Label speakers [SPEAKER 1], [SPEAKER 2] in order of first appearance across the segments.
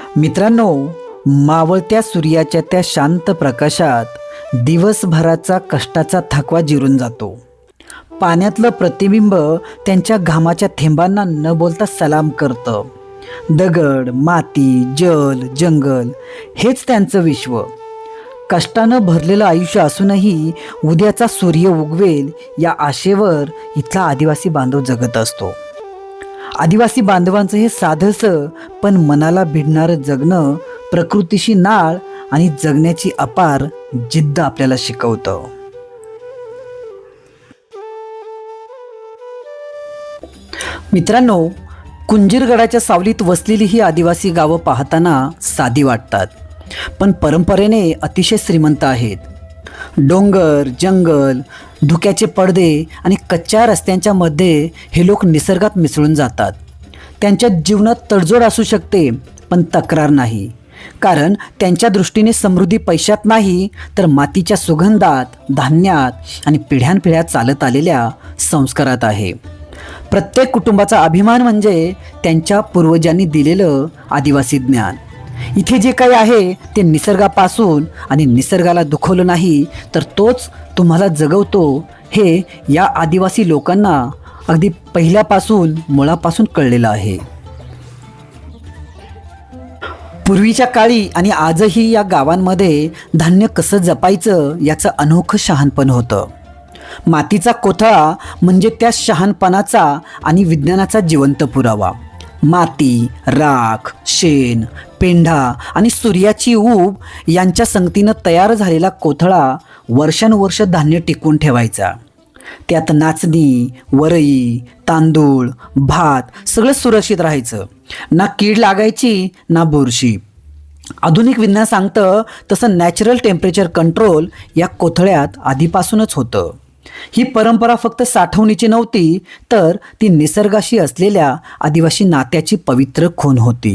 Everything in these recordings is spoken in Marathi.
[SPEAKER 1] मित्रांनो, मावळत्या सूर्याच्या त्या शांत प्रकाशात दिवसभराचा कष्टाचा थकवा जिरून जातो. पाण्यातलं प्रतिबिंब त्यांच्या घामाच्या थेंबांना न बोलता सलाम करतं. दगड, माती, जल, जंगल हेच त्यांचं विश्व. कष्टानं भरलेलं आयुष्य असूनही उद्याचा सूर्य उगवेल या आशेवर इथला आदिवासी बांधव जगत असतो. आदिवासी बांधवांचं हे साधंसं पण मनाला भिडणारं जगणं प्रकृतीशी नाळ आणि जगण्याची अपार जिद्द आपल्याला शिकवतं. मित्रांनो, कुंजीरगडाच्या सावलीत वसलेली ही आदिवासी गावं पाहताना साधी वाटतात, पण परंपरेने अतिशय श्रीमंत आहेत. डोंगर, जंगल, धुक्याचे पडदे आणि कच्च्या रस्त्यांच्या मध्ये हे लोक निसर्गात मिसळून जातात. त्यांच्या जीवनात तडजोड असू शकते, पण तक्रार नाही. कारण त्यांच्या दृष्टीने समृद्धी पैशात नाही, तर मातीच्या सुगंधात, धान्यात आणि पिढ्यानपिढ्या चालत आलेल्या संस्कारात आहे. प्रत्येक कुटुंबाचा अभिमान म्हणजे त्यांच्या पूर्वजांनी दिलेलं आदिवासी ज्ञान. इथे जे काही आहे ते निसर्गापासून आणि निसर्गाला दुखवलं नाही तर तोच तुम्हाला जगवतो, हे या आदिवासी लोकांना अगदी पहिल्यापासून मुळापासून कळलेलं आहे. पूर्वीच्या काळी आणि आजही या गावांमध्ये धान्य कसं जपायचं याचं अनोखं शहाणपण होतं. मातीचा कोथळा म्हणजे त्या शहाणपणाचा आणि विज्ञानाचा जिवंत पुरावा. माती, राख, शेण, पेंढा आणि सूर्याची ऊब यांच्या संगतीनं तयार झालेला कोथळा वर्षानुवर्ष धान्य टिकवून ठेवायचा. त्यात नाचणी, वरई, तांदूळ, भात सगळं सुरक्षित राहायचं. ना कीड लागायची ना बुरशी. आधुनिक विज्ञान सांगतं तसं नॅचरल टेम्परेचर कंट्रोल या कोथळ्यात आधीपासूनच होतं. ही परंपरा फक्त साठवणीची नव्हती, तर ती निसर्गाशी असलेल्या आदिवासी नात्याची पवित्र खूण होती.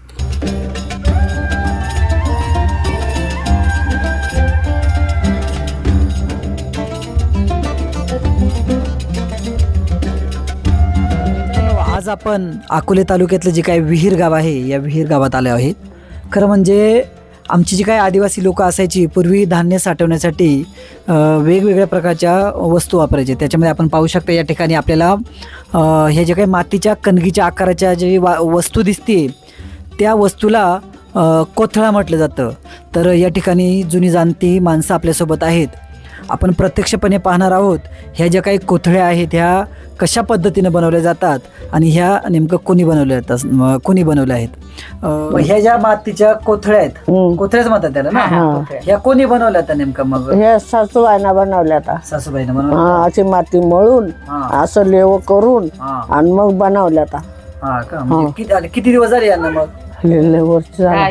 [SPEAKER 1] आज आपण अकोले तालुक्यातलं जे काही विहीर गाव आहे या विहीर गावात आले आहेत. खरं म्हणजे आमची जी काही आदिवासी लोकं असायची पूर्वी धान्य साठवण्यासाठी वेगवेगळ्या प्रकारच्या वस्तू वापरायचे. त्याच्यामध्ये आपण पाहू शकता या ठिकाणी आपल्याला हे जे काही मातीच्या कणगीच्या आकाराच्या जे वस्तू दिसते त्या वस्तूला कोथळा म्हटलं जातं. तर या ठिकाणी जुनी जाणती माणसं आपल्यासोबत आहेत. आपण प्रत्यक्षपणे पाहणार आहोत ह्या ज्या काही कोथळ्या आहेत ह्या कशा पद्धतीने बनवल्या जातात आणि ह्या नेमकं कोणी बनवल्या आहेत. ह्या ज्या मातीच्या कोथळ्या आहेत, कोथळ्याच म्हणतात त्याला ना, ह्या कोणी बनवल्या आता नेमकं? मग
[SPEAKER 2] ह्या सासूबाईना बनवल्या आता.
[SPEAKER 1] सासूबाईनं बनवल्या.
[SPEAKER 2] अशी माती मळून असं लेव करून आणि मग बनवल्या आता.
[SPEAKER 1] हा का? म्हणजे किती दिवस झाले यांना? मग
[SPEAKER 2] वर्ष झालं.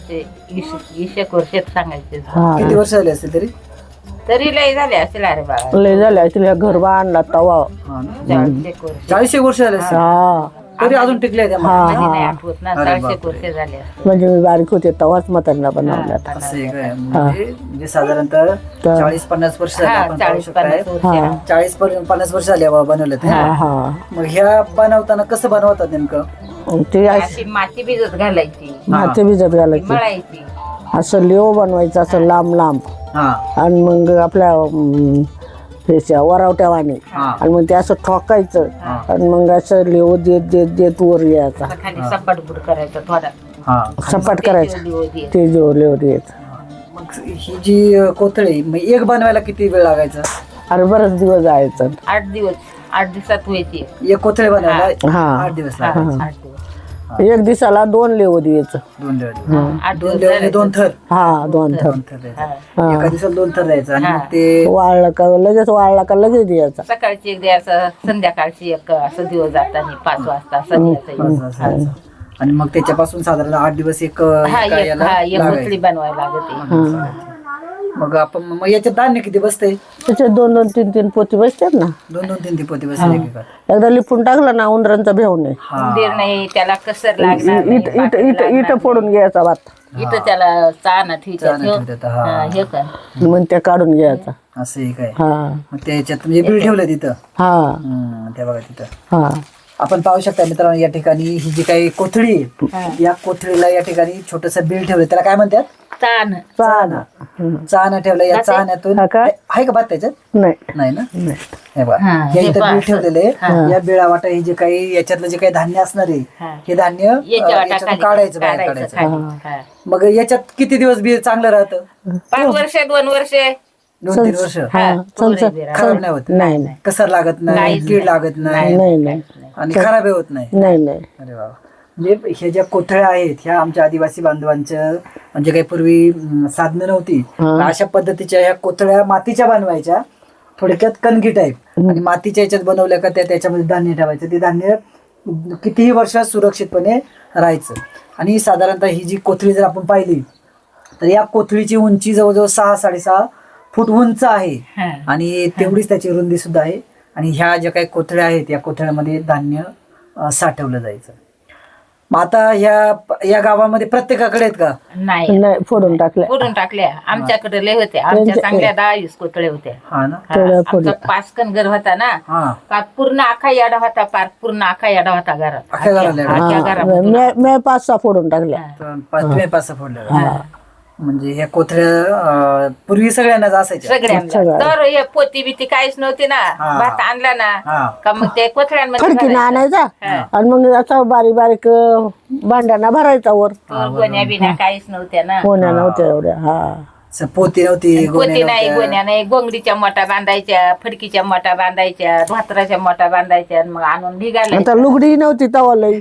[SPEAKER 3] 20 वर्षात सांगायचे.
[SPEAKER 1] किती वर्ष झाले असतील तरी?
[SPEAKER 3] तरी लय झाले असेल. अरे बाबा,
[SPEAKER 2] लय झाल्या तिला घर बांधला तवा.
[SPEAKER 1] 40 वर्ष झाले असतील.
[SPEAKER 2] हा,
[SPEAKER 1] तरी अजून टिकले त्या.
[SPEAKER 3] नाही आठवत ना. 40 वर्ष झाले असतील.
[SPEAKER 2] म्हणजे मी बारीक होते तवाच म्हातारीला बनवल्या.
[SPEAKER 1] असं आहे काय? म्हणजे साधारणतः 40-50 वर्ष झाले आपण पाहू शकताय. 40-50 वर्ष झाले बनवले ते. मग ह्या बनवताना कसं बनवतात नेमकं?
[SPEAKER 2] ते
[SPEAKER 3] अशी माती भिजत घालायची,
[SPEAKER 2] माती भिजत घालायची,
[SPEAKER 3] मळायची,
[SPEAKER 2] असं लेव बनवायचं असं लांब लांब. आणि मग आपल्या वरावट्यावानी आणि मग ते असं ठोकायचं आणि मग असं लेव देत देत देत वर यायचा.
[SPEAKER 3] खाली सपाट बुड करायचा थोडा,
[SPEAKER 2] सपाट करायचं ते जो लेव देत.
[SPEAKER 1] मग ही जी कोथळी मग एक बनवायला किती वेळ लागायचा?
[SPEAKER 2] अरे बरेच दिवस जायचं.
[SPEAKER 3] 8 दिवसात व्हायची
[SPEAKER 1] एक कोथळी बनवायला 8 दिवस लागायचे.
[SPEAKER 3] 8 दिवस.
[SPEAKER 2] एक दिवसाला 2 लेव द्यायचं.
[SPEAKER 1] 2 लेव 2 थर.
[SPEAKER 2] हा, 2 थर.
[SPEAKER 1] एका दिवसाला 2 थर द्यायचं आणि मग ते
[SPEAKER 2] वाळला का लगेच द्यायचा.
[SPEAKER 3] सकाळची एक द्यायचं, संध्याकाळची एक, असं दिवस जाताना 5 वाजता असं द्यायचं.
[SPEAKER 1] आणि मग त्याच्यापासून साधारण 8 दिवस एक
[SPEAKER 3] एक मुसळी बनवायला लागते.
[SPEAKER 1] मग आपण मग याच्यात धान्य किती बसते?
[SPEAKER 2] त्याच्यात 2-2, 3-3 पोती बसतात ना.
[SPEAKER 1] 2-2, 3 पोती बसते.
[SPEAKER 2] एकदा लिपून टाकलं ना उंदरांचा भेव नाही.
[SPEAKER 3] उंदीर नाही, त्याला कसर लागणार
[SPEAKER 2] इट फोडून घ्यायचा भात.
[SPEAKER 3] इथं त्याला चाना ठेवतात. हे कर
[SPEAKER 2] मग त्या काढून घ्यायचा.
[SPEAKER 1] असं आहे काय?
[SPEAKER 2] हा,
[SPEAKER 1] मग त्याच्यात म्हणजे बिल ठेवलं तिथं.
[SPEAKER 2] हा,
[SPEAKER 1] त्या बघा तिथं.
[SPEAKER 2] हा,
[SPEAKER 1] आपण पाहू शकता मित्रांनो, या ठिकाणी ही जी काही कोथळी आहे, या कोथळीला या ठिकाणी छोटस बिल ठेवलं, त्याला काय म्हणतात?
[SPEAKER 3] तान
[SPEAKER 1] चाहणं ठेवलं. या चाहण्यातून
[SPEAKER 2] हा का?
[SPEAKER 1] आहे का भात त्याच्यात?
[SPEAKER 2] नाही
[SPEAKER 1] नाही ना.
[SPEAKER 2] नाही.
[SPEAKER 1] हे बघा,
[SPEAKER 3] हा,
[SPEAKER 1] या
[SPEAKER 3] हे
[SPEAKER 1] इथं
[SPEAKER 3] पहा,
[SPEAKER 1] बीळ ठेवलेले. या बिळा वाटा हे जे काही याच्यातलं जे काही धान्य असणार आहे, हे धान्य याच्यातून काढायचं, बाहेर काढायचं. मग याच्यात किती दिवस बी चांगलं राहतं?
[SPEAKER 3] 5 वर्ष 2 वर्ष
[SPEAKER 1] 2-3 वर्ष खराब नाही होत,
[SPEAKER 2] नाही
[SPEAKER 1] कसर लागत नाही, कीड लागत नाही,
[SPEAKER 2] नाही नाही
[SPEAKER 1] आणि खराब होत नाही.
[SPEAKER 2] नाही नाही
[SPEAKER 1] अरे वा. म्हणजे ह्या ज्या कोथळ्या आहेत ह्या आमच्या आदिवासी बांधवांच्या, म्हणजे काही पूर्वी साधनं नव्हती, अशा पद्धतीच्या ह्या कोथळ्या मातीच्या बनवायच्या, थोडक्यात कणगी टाईप, आणि मातीच्या याच्यात बनवल्या का त्याच्यामध्ये धान्य ठेवायचं. ते धान्य कितीही वर्षात सुरक्षितपणे राहायचं. आणि साधारणतः ही जी कोथळी जर आपण पाहिली तर या कोथळीची उंची जवळजवळ 6-6.5 फूट उंच आहे, आणि तेवढीच त्याची रुंदी सुद्धा आहे. आणि ह्या ज्या काही कोथळ्या आहेत या कोथळ्यामध्ये धान्य साठवलं जायचं. मग आता या गावामध्ये प्रत्येकाकडे आहेत का?
[SPEAKER 3] नाही
[SPEAKER 2] नाही फोडून टाकल्या.
[SPEAKER 3] फोडून टाकल्या. आमच्याकडे लय होते, आमच्या चांगल्या 10-20 कोथळे होते.
[SPEAKER 1] हा ना.
[SPEAKER 3] आमचा 5 घर होता ना,
[SPEAKER 1] हा.
[SPEAKER 3] का पूर्ण आखा याडा होता, पार पूर्ण आखा याडा होता घरात.
[SPEAKER 1] अख्ख्या घराला याडा?
[SPEAKER 3] आख्या घरात
[SPEAKER 2] मी 5-6 फोडून टाकल्या.
[SPEAKER 1] तुम्ही पाच फोडल्या. म्हणजे ह्या कोथळ्या पूर्वी सगळ्यांनाच असायच्या?
[SPEAKER 3] सगळ्यांना. तर हे पोती बिती काहीच नव्हती ना, भात आणला ना का मग ते कोथळ्यांमध्ये
[SPEAKER 2] फडकीनं आणायचा आणि मग असा बारीक बारीक भांड्यांना भरायचा वर.
[SPEAKER 3] गोण्या बिण्या काहीच नव्हत्या ना,
[SPEAKER 2] कोण्या नव्हत्या एवढ्या. हा
[SPEAKER 1] पोती नव्हती,
[SPEAKER 3] पोती नाही, गोण्या नाही. गोंगडीच्या मोठा बांधायच्या, फडकीच्या मोठा बांधायच्या, भातराच्या मोठा बांधायच्या, मग आणून निघाल्या.
[SPEAKER 2] आता लुगडी नव्हती तवा लई.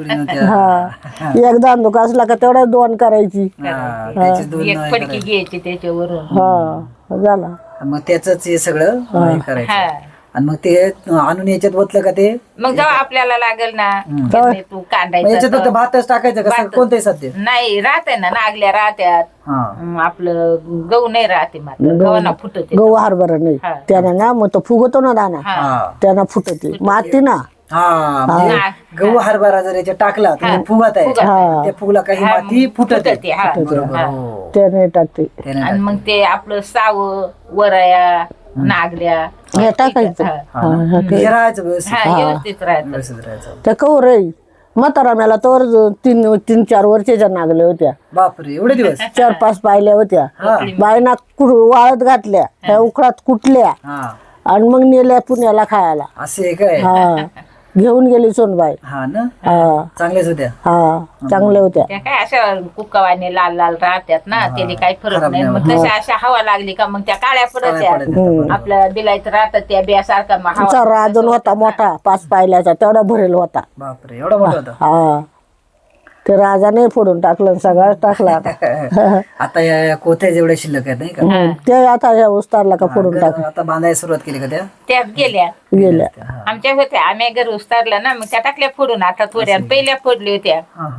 [SPEAKER 2] हा एकदा दुख असला का तेवढ्या 2 करायची.
[SPEAKER 3] एक फडकी घ्यायची त्याच्यावरून.
[SPEAKER 2] हा झाला.
[SPEAKER 1] मग त्याच हे सगळं हे करायचं. आणि मग ते आणून याच्यात ओतलं का ते
[SPEAKER 3] मग जेव्हा आपल्याला लागेल ना तू
[SPEAKER 1] मग
[SPEAKER 3] कांदायचं.
[SPEAKER 1] याच्यात फक्त भातच टाकायचं का? कोणते सध्या
[SPEAKER 3] नाही राहते ना, नागल्या राहत्यात, आपलं गहू नाही राहते, मात्र गव्हाना फुटते.
[SPEAKER 2] गहू हरभरा नाही त्यानं ना, मग तो फुगतो ना दाना, त्यानं फुटते माती ना.
[SPEAKER 1] म्हणजे गहू हरभरा जर याच्यात टाकला तर फुगत आहे, त्या फुगला काही माती फुटत आहे.
[SPEAKER 2] त्याने टाकते.
[SPEAKER 3] आणि मग ते आपलं साव, वराया, नागल्या
[SPEAKER 2] हे टाकायचं.
[SPEAKER 1] हे राहायचं व्यवस्थित.
[SPEAKER 3] व्यवस्थित राहत.
[SPEAKER 1] व्यवस्थित राहायचं.
[SPEAKER 2] त्या कवर म्हातारा मेला तर 3-4 वर्षाच्या नागल्या होत्या.
[SPEAKER 1] बापरे, एवढे दिवस?
[SPEAKER 2] 4-5 पाहिल्या होत्या. बायना वाळत घातल्या, त्या उकळात कुटल्या आणि मग नेल्या पुण्याला खायला.
[SPEAKER 1] असे काय?
[SPEAKER 2] हा घेऊन गेली सोनबाई.
[SPEAKER 1] हा ना.
[SPEAKER 2] हा
[SPEAKER 1] चांगल्याच होत्या.
[SPEAKER 2] हा चांगल्या होत्या.
[SPEAKER 3] त्या काय अशा कुक्कावाने लाल लाल राहत्यात ना, त्याने काही फरक नाही. मग तशा अशा हवा लागली का मग त्या काळ्या पडत्या. आपल्या बिलायचं राहतात त्या बियासारखा मग हवा.
[SPEAKER 2] आमचा राजन होता मोठा 5 पायल्याचा, तेवढा भरेल होता.
[SPEAKER 1] बापरे, एवढा मोठा होता?
[SPEAKER 2] हा ते राजाने फोडून टाकलं, सगळं टाकला.
[SPEAKER 1] आता या कोथ्या जेवढ्या शिल्लक आहेत नाही का,
[SPEAKER 2] ते आता या उस्तारला का फोडून टाकलं.
[SPEAKER 1] आता बांधायला सुरुवात केली का?
[SPEAKER 3] त्यात गेल्या आमच्या होत्या, आम्ही घर उस्तारला ना, मग त्या टाकल्या फोडून. आता थोड्या पहिल्या फोडल्या होत्या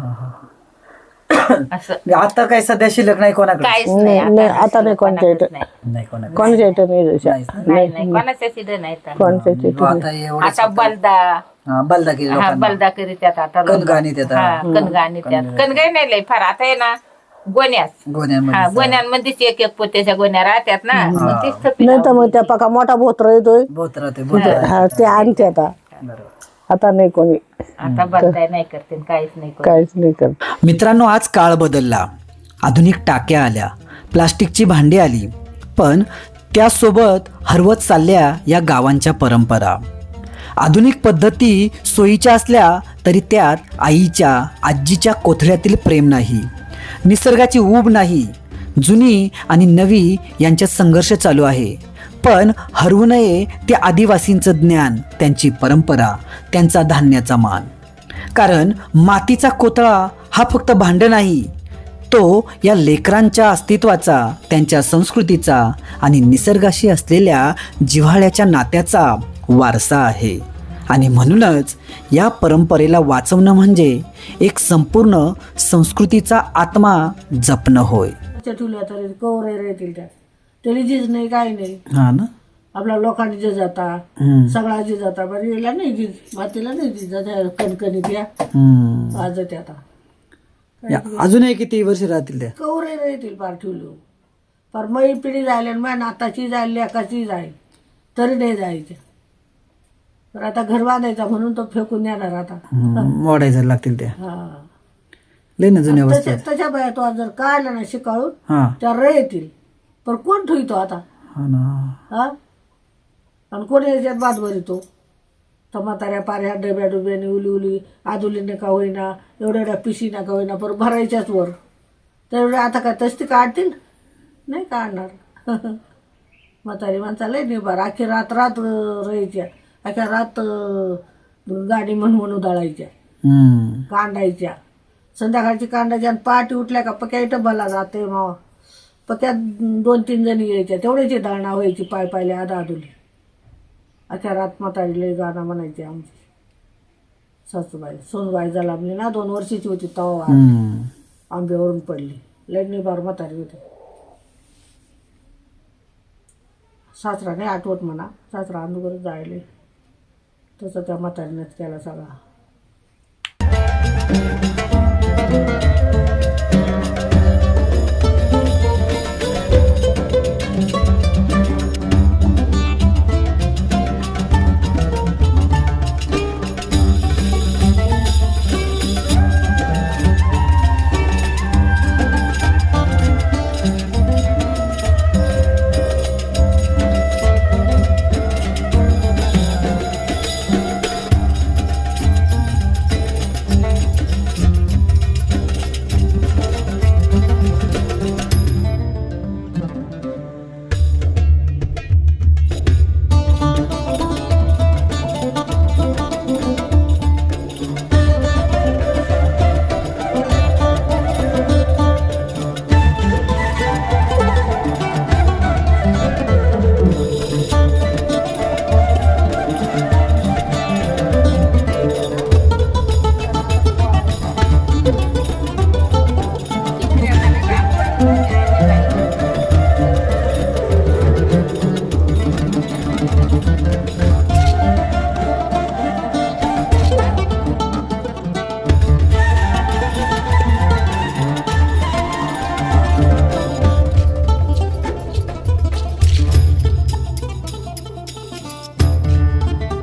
[SPEAKER 3] असं.
[SPEAKER 1] आता काय सध्या शिल्लक नाही कोणाकडे?
[SPEAKER 3] काहीच
[SPEAKER 2] नाही आता नाही कोणत्या इथं.
[SPEAKER 1] नाही कोणाकडे.
[SPEAKER 2] कोणत्या इथं नाही.
[SPEAKER 3] नाही कोणाच्या सिद्ध नाही.
[SPEAKER 2] कोणत्या इथं.
[SPEAKER 1] आता एवढं
[SPEAKER 3] आता बलदा
[SPEAKER 1] बलदा केली,
[SPEAKER 3] बलदा करीत्यात. आता
[SPEAKER 1] कणगाणी देतात.
[SPEAKER 3] कणगाणी त्यात कणगाई नाही लय फार. आता आहे ना गोण्यास, गोण्यांमध्येच एक पोत्याच्या गोण्या राहत्यात ना, मग तीच थपी.
[SPEAKER 2] नाही तर मग त्या पका मोठा भोत्र येतोय
[SPEAKER 1] बहुत राहते.
[SPEAKER 2] ते आणते आता. आता नाही कोणी.
[SPEAKER 3] आता बलदाय नाही करते, काहीच नाही करत.
[SPEAKER 2] काहीच नाही करत.
[SPEAKER 1] मित्रांनो, आज काळ बदलला, आधुनिक टाक्या आल्या, प्लास्टिकची भांडी आली, पण त्यासोबत हरवत चालल्या या गावांच्या परंपरा. आधुनिक पद्धती सोयीच्या असल्या तरी त्यात आईच्या, आजीच्या कोथळ्यातील प्रेम नाही, निसर्गाची ऊब नाही. जुनी आणि नवी यांच्यात संघर्ष चालू आहे. पण हरवू नये ते आदिवासींचं ज्ञान, त्यांची परंपरा, त्यांचा धान्याचा मान. कारण मातीचा कोथळा हा फक्त भांड नाही, तो या लेकरांच्या अस्तित्वाचा, त्यांच्या संस्कृतीचा आणि निसर्गाशी असलेल्या जिव्हाळ्याच्या नात्याचा वारसा आहे. आणि म्हणूनच या परंपरेला वाचवणं म्हणजे एक संपूर्ण संस्कृतीचा आत्मा जपणं होय.
[SPEAKER 2] ठेवल्या तरी कवरे राहतील त्या, तरी जीज नाही काही नाही.
[SPEAKER 1] हा ना.
[SPEAKER 2] आपल्या लोकांनी जे जाता सगळा जे जाता, बरं याला नाही जीज, मातीला नाही जीज. कणकणीत या आज ते आता
[SPEAKER 1] अजूनही किती वर्ष राहतील त्या
[SPEAKER 2] कवरे राहतील पार ठेवलं. पर मै पिढी जायला माझ्या नाताची जाईल, लेकाची जाईल, तरी नाही जायचं. तर आता घर बांधायचा म्हणून तो फेकून येणार आता.
[SPEAKER 1] मोडायचं लागतील त्या
[SPEAKER 2] हा
[SPEAKER 1] लय ना जुन्या वस्तू आहेत.
[SPEAKER 2] त्याच्या बाया तो जर काढला ना शिकाळून
[SPEAKER 1] हा
[SPEAKER 2] त्या रे येतील, पण कोण ठेवतो आता?
[SPEAKER 1] हा ना.
[SPEAKER 2] हा आणि कोणी याच्यात बाद भरितो? तर म्हाताऱ्या पाऱ्या डब्या डुब्याने उली उली आदुलीने का होईना, एवढ्या एवढ्या पिशीना का होईना, पर भरायच्याच वर. तर एवढ्या आता काय तस्ती काढतील? नाही काढणार. म्हातारी माणसा लय निभार, अख्खी रात रात राहायच्या, अख्ख्या रात गाडी म्हणून उधाळायच्या, कांडायच्या, संध्याकाळची कांडायच्या आणि पहाटे उठल्या का पक्या इथं भला जाते मग पक्यात 2-3 जणी यायच्या, तेवढ्याची धारणा व्हायची पाय पायले आदुली. अख्ख्या रात म्हातारी लय गाणं म्हणायची आमची सासूबाई. सोनबाई जलामली ना 2 वर्षाची होती तेव्हा आंब्यावरून पडली. लय निभार म्हातारी होती. सासरा नाही आठवत म्हणा, सासरा अंदूवरच जायले, तसं त्या म्हातारीनेच केला सगळा.